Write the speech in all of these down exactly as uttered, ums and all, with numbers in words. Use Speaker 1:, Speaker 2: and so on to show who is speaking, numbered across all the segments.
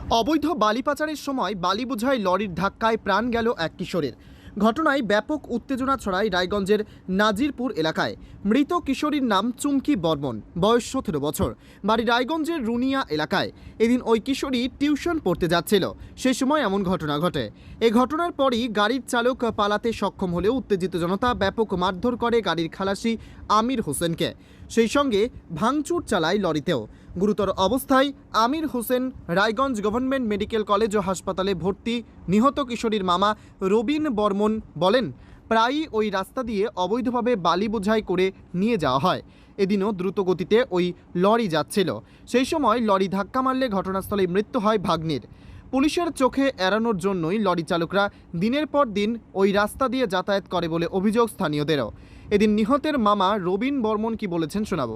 Speaker 1: অবৈধ বালি পাচারের সময় বালি বোঝাই লরির ধাক্কায় প্রাণ গেল এক কিশোরের। ঘটনায় ব্যাপক উত্তেজনা ছড়ায় রায়গঞ্জের নাজিরপুর এলাকায়। মৃত কিশোরীর নাম চুমকি বর্মন, বয়স সতেরো বছর, বাড়ি রায়গঞ্জের রুনিয়া এলাকায়। এদিন ওই কিশোরী টিউশন পড়তে যাচ্ছিল, সে সময় এমন ঘটনা ঘটে। এই ঘটনার পরই গাড়ির চালক পালাতে সক্ষম হলেও উত্তেজিত জনতা ব্যাপক মারধর করে গাড়ির খালাসি আমির হোসেনকে, সেই সঙ্গে ভাঙচুর চালায় লরিতেও। গুরুতর অবস্থায় Amir Hossain Raiganj government medical college ও হাসপাতালে ভর্তি। নিহত কিশোরীর মামা রবিন বর্মন বলেন, প্রায়ই ওই রাস্তা দিয়ে অবৈধভাবে বালি বোঝাই করে নিয়ে যাওয়া হয়। এদিনও দ্রুত গতিতে ওই লরি যাচ্ছিল, সেই সময় লরি ধাক্কা মারলে ঘটনাস্থলে মৃত্যু হয় ভাগ্নির। পুলিশের চোখে এড়ানোর জন্যই লরি চালকরা দিনের পর দিন ওই রাস্তা দিয়ে যাতায়াত করে বলে অভিযোগ স্থানীয়দেরও। এদিন নিহতের মামা রবিন বর্মন কি বলেছেন শোনাবো।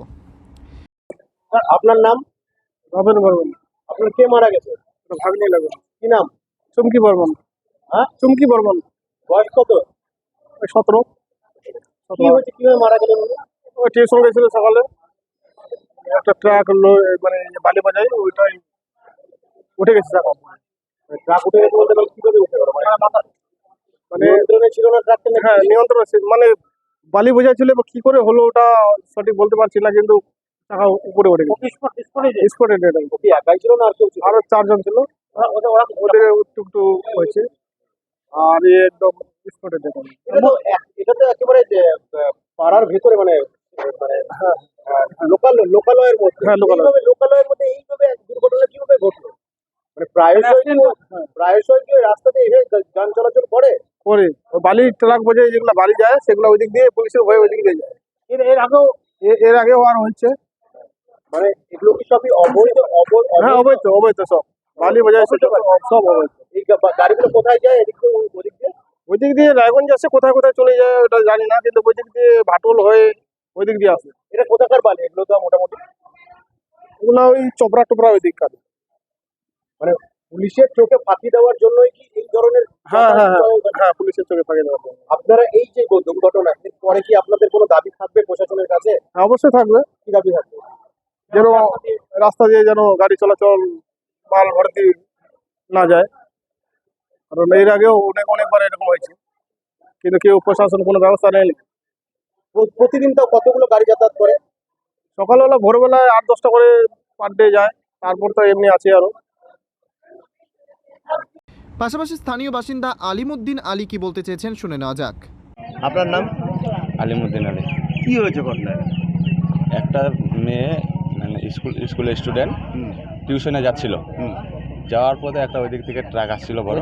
Speaker 2: আপনার নাম?
Speaker 3: রবিন বর্মন।
Speaker 2: আপনার কে মারা গেছে?
Speaker 3: ভাগ্নি লাগে।
Speaker 2: কি নাম?
Speaker 3: চুমকি বর্মন।
Speaker 2: হ্যাঁ,
Speaker 3: চুমকি বর্মন।
Speaker 2: বয়স কত?
Speaker 3: সতেরো।
Speaker 2: কি হয়েছে, কিভাবে মারা গেলেন?
Speaker 3: ওই টিউশন গেছিল সকালে, একটা ট্রাক মানে বালি বাজাই, ওইটাই উঠে গেছে চাকা।
Speaker 2: ট্রাক উঠে গেছে বলতে গেলে কিভাবে উঠে গেল? মানে
Speaker 3: মানে
Speaker 2: নিয়ন্ত্রণে ছিল না ট্রাকটা?
Speaker 3: হ্যাঁ, নিয়ন্ত্রণ মানে বালি বোঝাই ছিল, কি করে হলো ওটা সঠিক বলতে পারছি না, কিন্তু চাকা উপরে উঠে গেছে। স্পটে ডেড।
Speaker 2: কি একাই ছিল না আর কেউ ছিল?
Speaker 3: আরো চারজন ছিল, ওদের একটু হয়েছে, আর এ একদম স্পটে ডেড।
Speaker 2: এটা তো এক- এটা তো একেবারে যে, আহ, পাড়ার ভেতরে মানে মানে লোকাল লোকালয়ের মধ্যে।
Speaker 3: হ্যাঁ, লোকালয়।
Speaker 2: এইভাবে লোকালয়ের মধ্যে এইভাবে এক দুর্ঘটনা কিভাবে ঘটলো? মানে প্রায়শই কি- প্রায়শই কি ওই রাস্তাতে এসে যান চলাচল করে?
Speaker 3: করে ওই বালি ট্রাক বোঝাই যেগুলো বালি যায়, সেগুলো ওই দিক দিয়ে পুলিশের ভয়ে ওই দিক দিয়ে যায়।
Speaker 2: এর এর আগেও
Speaker 3: এ- এর আগেও আর হচ্ছে।
Speaker 2: মানে এগুলো কি সবই অবৈধ? অবৈধ
Speaker 3: হ্যাঁ, অবৈধ অবৈধ সব বালি বোঝাই সব সব অবৈধ।
Speaker 2: এই গা- গাড়িগুলো কোথায় যায়? এদিক থেকে ওদিক দিয়ে?
Speaker 3: ওই দিক দিয়ে রায়গঞ্জ আসে, কোথায় কোথায় চলে যায় ওটা জানি না, কিন্তু ওই দিক দিয়ে ভাটল হয়ে ওই দিক দিয়ে আসে।
Speaker 2: এটা কোথাকার বালি এগুলো? তো মোটামুটি
Speaker 3: ওগুলো ওই চোপড়া টোপড়া ওই দিককার।
Speaker 2: মানে পুলিশের চোখে ফাঁকি দেওয়ার জন্যই কি এই ধরনের?
Speaker 3: হ্যাঁ হ্যাঁ হ্যাঁ হ্যাঁ পুলিশের চোখে ফাঁকি দেওয়ার জন্য।
Speaker 2: আপনারা এই যে দুর্ঘটনা, এর পরে কি আপনাদের কোনো দাবি থাকবে প্রশাসনের কাছে?
Speaker 3: হ্যাঁ, অবশ্যই থাকবে,
Speaker 2: কি দাবি থাকবে?
Speaker 3: যেন রাস্তা দিয়ে যেন গাড়ি চলাচল মাল ভর্তি না যায়, কারণ এর আগেও অনেক অনেকবার এরকম হয়েছে, কিন্তু কেউ প্রশাসন কোনো ব্যবস্থা নেয়নি।
Speaker 2: প্র- প্রতিদিন তো কতগুলো গাড়ি যাতায়াত করে?
Speaker 3: সকালবেলা ভোরবেলায় আট দশটা করে পার ডে যায়, তারপর তো এমনি আছে আরো।
Speaker 1: পাশাপাশি স্থানীয় বাসিন্দা আলিমুদ্দিন আলী কি বলতে চেয়েছেন শুনে নেওয়া যাক।
Speaker 2: আপনার নাম?
Speaker 4: আলিমুদ্দিন আলী।
Speaker 2: কি হয়েছে ঘটনা?
Speaker 4: একটা মেয়ে মানে স্কুল স্কুলের স্টুডেন্ট টিউশনে যাচ্ছিল, যাওয়ার পথে একটা ওই দিক থেকে ট্রাক আসছিল, বড়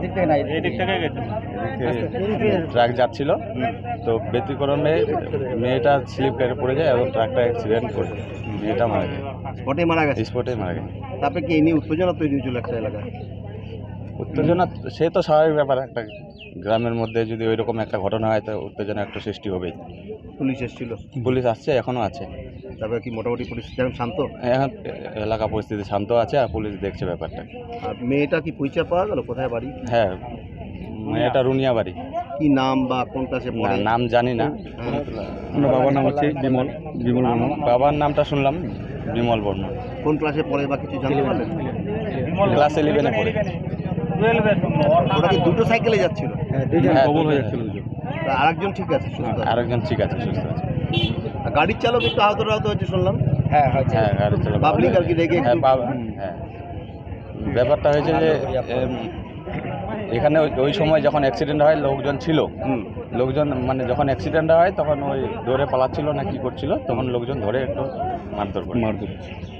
Speaker 4: ট্রাক যাচ্ছিল, তো ব্যতিক্রমে মেয়েটা স্লিপ কেটে পড়ে যায় এবং ট্রাকটা অ্যাক্সিডেন্ট করে মেয়েটা মারা যায়।
Speaker 2: স্পটে মারা গেছে?
Speaker 4: স্পটে মারা গেছে।
Speaker 2: তারপরে কি এই নিয়ে উত্তেজনা তৈরি হয়েছিল একটা এলাকায়?
Speaker 4: উত্তেজনা সে তো স্বাভাবিক ব্যাপার, একটা গ্রামের মধ্যে যদি ওই রকম একটা ঘটনা হয় তো উত্তেজনা একটা সৃষ্টি হবেই।
Speaker 2: পুলিশ এসেছিল?
Speaker 4: পুলিশ আসছে, এখনও আছে।
Speaker 2: তারপরে কি মোটামুটি পরিস্থিতি এখন শান্ত?
Speaker 4: এখন এলাকা পরিস্থিতি শান্ত আছে আর পুলিশ দেখছে ব্যাপারটা।
Speaker 2: আর মেয়েটা কি পরিচয় পাওয়া গেল? কোথায় বাড়ি?
Speaker 4: হ্যাঁ, মেয়েটা রুনিয়া বাড়ি।
Speaker 2: কি নাম বা কোন ক্লাসে
Speaker 4: না,
Speaker 2: পড়ে?
Speaker 4: নাম জানি না।
Speaker 3: বাবার নাম হচ্ছে বিমল বিমল বর্মন।
Speaker 4: বাবার নামটা শুনলাম বিমল বর্মন।
Speaker 2: কোন ক্লাসে পড়ে বা কিছু জানতে পারলেন?
Speaker 4: ক্লাস ইলেভেনে পড়ে।
Speaker 2: ওরা কি দুটো সাইকেলে যাচ্ছিল?
Speaker 4: হ্যাঁ,
Speaker 3: কবল হয়ে
Speaker 4: দুটো-
Speaker 3: যাচ্ছিল।
Speaker 2: তা আরেকজন ঠিক আছে, সুস্থ আছে?
Speaker 4: আরেকজন ঠিক আছে, সুস্থ আছে।
Speaker 2: আর গাড়ির চালক একটু আহত আহত হয়েছে শুনলাম।
Speaker 4: হ্যাঁ, গাড়ি চালক-
Speaker 2: পাবলিক আর কি রেগে
Speaker 4: হ্যাঁ,
Speaker 2: একটু-
Speaker 4: বাব- হ্যাঁ। ব্যাপারটা হয়েছে যে এম, এখানে ওই- ওই সময় যখন অ্যাক্সিডেন্ট হয় লোকজন ছিল,
Speaker 2: হুম।
Speaker 4: লোকজন মানে যখন অ্যাক্সিডেন্ট হয় তখন ওই দৌড়ে পালাচ্ছিল না কি করছিল, তখন লোকজন ধরে একটু মারধর করে।
Speaker 3: মারধর।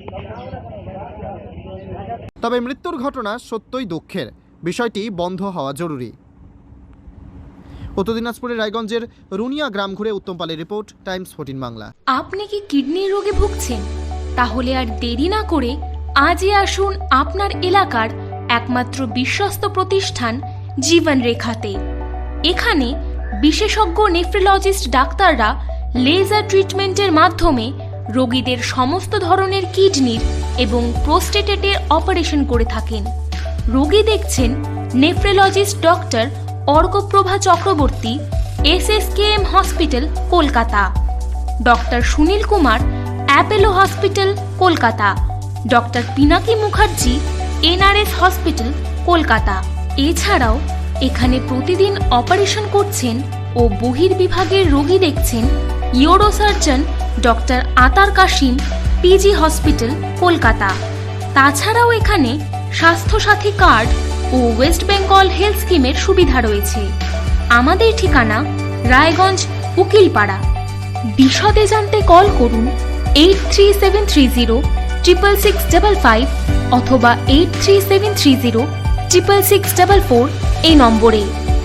Speaker 1: তবে মৃত্যুর ঘটনা সত্যই দুঃখের, বিষয়টি বন্ধ হওয়া জরুরি। উত্তর দিনাজপুরের রায়গঞ্জের রুনিয়া গ্রাম ঘুরে উত্তম পালের রিপোর্ট, টাইমস ফোরটিন বাংলা।
Speaker 5: আপনি কি কিডনির রোগে ভুগছেন? তাহলে আর দেরি না করে আজই আসুন আপনার এলাকার একমাত্র বিশ্বস্ত প্রতিষ্ঠান জীবন রেখাতে। এখানে বিশেষজ্ঞ নেফ্রোলজিস্ট ডাক্তাররা লেজার ট্রিটমেন্টের মাধ্যমে রোগীদের সমস্ত ধরনের কিডনির এবং প্রোস্টেটেটের অপারেশন করে থাকেন। রোগী দেখছেন nephrologist doctor Arkaprabha Chakraborty, S S K M hospital, Kolkata. Doctor Sunil Kumar, Apollo hospital, Kolkata. Doctor Pinaki Mukherjee, NRS hospital Kolkata. এছাড়াও এখানে প্রতিদিন অপারেশন করছেন ও বহির্বিভাগের রোগী দেখছেন ইউরোসার্জন ডক্টর আতার কাশিম, পিজি হসপিটাল কলকাতা। তাছাড়াও এখানে স্বাস্থ্যসাথী কার্ড ও ওয়েস্ট বেঙ্গল হেলথ স্কিমের সুবিধা রয়েছে। আমাদের ঠিকানা রায়গঞ্জ উকিলপাড়া। বিশদে জানতে কল করুন eight three seven three zero triple six double five অথবা eight three seven three zero triple six double four এই নম্বরে।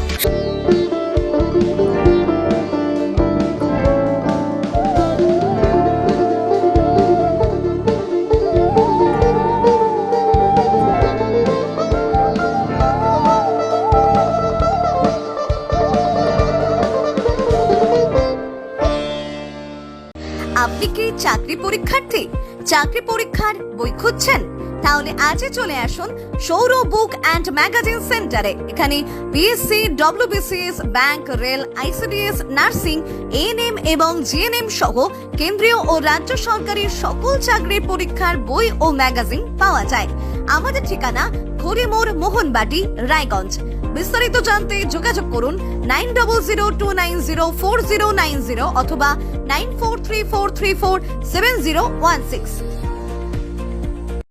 Speaker 6: আপনি কি চাকরি পরীক্ষার্থী? চাকরি পরীক্ষার বই খুঁজছেন? তাহলে আজই চলে আসুন সৌর বুক অ্যান্ড ম্যাগাজিন সেন্টারে। এখানে PSC, WBCS, bank, rail, ICDS, nursing, ANM এবং জিএনএম সহ কেন্দ্রীয় ও রাজ্য সরকারের সকল চাকরির পরীক্ষার বই ও ম্যাগাজিন পাওয়া যায়। আমাদের ঠিকানা খড়িমোড়, মোহনবাটি, রায়গঞ্জ। বিস্তারিত জানতে যোগাযোগ করুন nine double zero two nine zero four zero nine zero অথবা nine four three four three four seven zero one six.